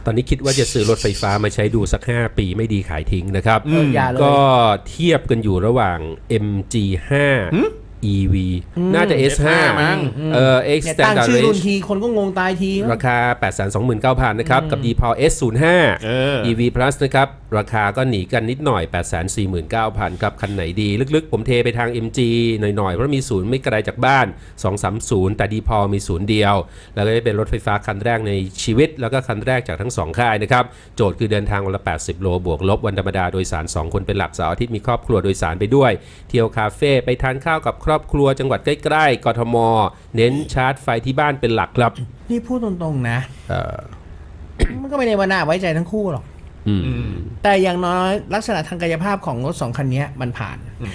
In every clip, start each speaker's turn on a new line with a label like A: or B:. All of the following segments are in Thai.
A: ตอนนี้คิดว่าจะซื้อรถไฟฟ้ามาใช้ดูสัก5 ปีไม่ดีขายทิ้งนะครับก็เทียบกันอยู่ระหว่าง MG5 EV น่าจะ S5
B: มั้ง
A: X
C: ตั้ง
A: Standard
C: ชื่อรุ่น
A: Range
C: ทีคนก็งงตายที
A: ราคา 829,000 นะครับกับ D-Power S05 EV Plus นะครับราคาก็หนีกันนิดหน่อย 849,000 ครับคันไหนดีลึกๆผมเทไปทาง MG หน่อยๆเพราะมีศูนย์ไม่ไกลจากบ้าน230แต่ D-Power มีศูนย์เดียวแล้วก็จะเป็นรถไฟฟ้าคันแรกในชีวิตแล้วก็คันแรกจากทั้ง2ค่ายนะครับโจทย์คือเดินทางวันละ80 โลบวกลบวันธรรมดาโดยสาร2 คนเป็นหลักเสาร์อาทิตย์มีครอบครัวโดยสารไปด้วยเที่ยวคาเฟ่ไปทานข้าวกับครอบครัวจังหวัดใกล้ๆกทมเน้นชาร์จไฟที่บ้านเป็นหลักครับ
C: นี่พูดตรงๆนะมันก็ไม่ได้ว่าน่าไว้ใจทั้งคู่หรอกแต่อย่างน้อยลักษณะทางกายภาพของรถ2คันนี้มันผ่าน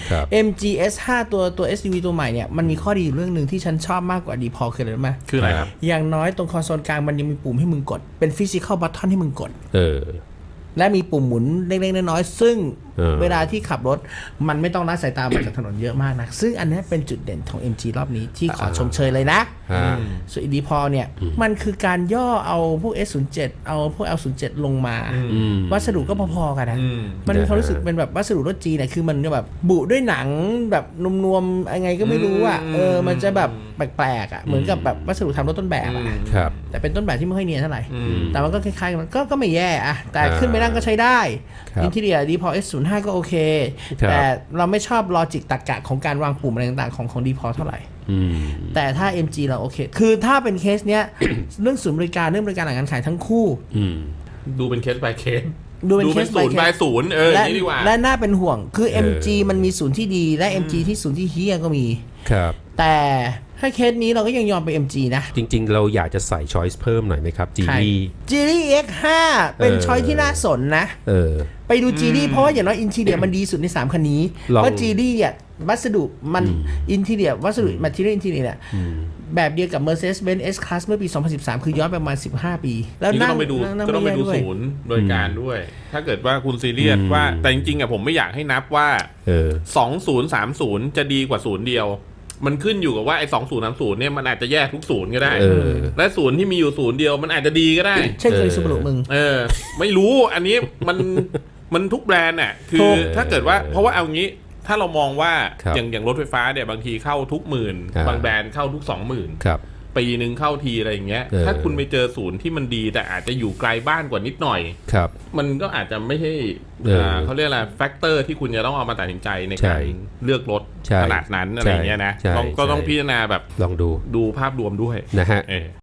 C: MG S5 ตัว SUV ตัวใหม่เนี่ยมันมีข้อดีอยู่เรื่องหนึ่งที่ฉันชอบมากกว่าดีพอคืออะไรรู้ไหม
B: คืออะไรครับ
C: อย่างน้อยตรงคอนโซลกลางมันยังมีปุ่มให้มึงกดเป็นฟิสิคอลบัตทอนให้มึงกดและมีปุ่มหมุนเล็กๆน้อยๆซึ่งเวลาที่ขับรถมันไม่ต้องละสายตามาจากถนนเยอะมากนะซึ่งอันนี้เป็นจุดเด่นของ MG รอบนี้ที่ขอชมเชยเลยนะส่วนดีพอเนี่ยมันคือการย่อเอาพวก S07 เอาพวก L07 ลงมาวัสดุก็พอๆกันนะมันมีความรู้สึกเป็นแบบวัสดุรถจีนเนี่ยคือมันแบบบุด้วยหนังแบบนวมๆยังไงก็ไม่รู้อ่ะมันจะแบบแปลกๆอ่ะเหมือนกับแบบวัสดุทำรถต้นแบบอ่ะแต่เป็นต้นแบบที่ไม่ค่อยเนียนเท่าไหร่แต่มันก็คล้ายๆกันก็ไม่แย่อ่ะแต่ขึ้นไปนั่งก็ใช้ได้อินทีเรียดีพอ S05 ก็โอเคแต่เราไม่ชอบลอจิกตรรกะของการวางปุ่มอะไรต่างๆของดีพอเท่าไหร่แต่ถ้า MG เราโอเคคือถ้าเป็นเคสเนี้ยเรื่องศูนย์บริการเรื่องบริการหลังการขายทั้งคู่
B: ดูเป็นเคส by เคส
C: ดูเป็นเคส by เคส
B: ศูนย์นี่ดีกว่า
C: และน่าเป็นห่วงคือ MG มันมีศูนย์ที่ดีและ MG ที่ศูนย์ที่เฮี้ยก็มีแต่ถ้าเคสนี้เราก็ยังยอมไป MG นะ
A: จริงๆเราอยากจะใส่ choice เพิ่มหน่อยไหมครับ
C: Geely X5 เป็นช้อยที่น่าสนนะไปดู Geely เพราะว่าอย่างน้อยอินทีเรียมันดีสุดใน3คันนี้เพราะ Geely เนี่ยวัสดุมันอินทีเรียวัสดุ material interior เนี่ยแบบเดียวกับ Mercedes-Benz S-Class เมื่อปี 2013 คือย้อนไปประมาณ15 ปี
B: แล้วก็ต้องไปดูศูนย์โดยการด้วย ถ้าเกิดว่าคุณซีเรียสว่าแต่จริงๆผมไม่อยากให้นับว่า2030จะดีกว่าศูนย์เดียวมันขึ้นอยู่กับว่าไอ้2030เนี่ยมันอาจจะแยกทุกศูนย์ก็ได้และศูนย์ที่มีอยู่ศูนย์เดียวมันอาจจะดีก็ได้
C: เช่นเคยซูบารุมึง
B: ไม่รู้อันนี้มันทุกแบรนด์น่ะคือถ้าเกิดว่าเพราะว่าเอางี้ถ้าเรามองว่าอย่างรถไฟฟ้าเนี่ยบางทีเข้าทุก10,000บางแบรนด์เข้าทุก20,000ปีนึงเข้าทีอะไรอย่างเงี้ยถ้าคุณไปเจอศูนย์ที่มันดีแต่อาจจะอยู่ไกลบ้านกว่านิดหน่อยมันก็อาจจะไม่ใช่เขาเรียกอะไรแฟกเตอร์ที่คุณจะต้องเอามาตัดสินใจในการเลือกรถขนาดนั้นอะไรเงี้ยนะก็ต้องพิจารณาแบบ
A: ลองดู
B: ภาพรวมด้วย
A: นะฮะ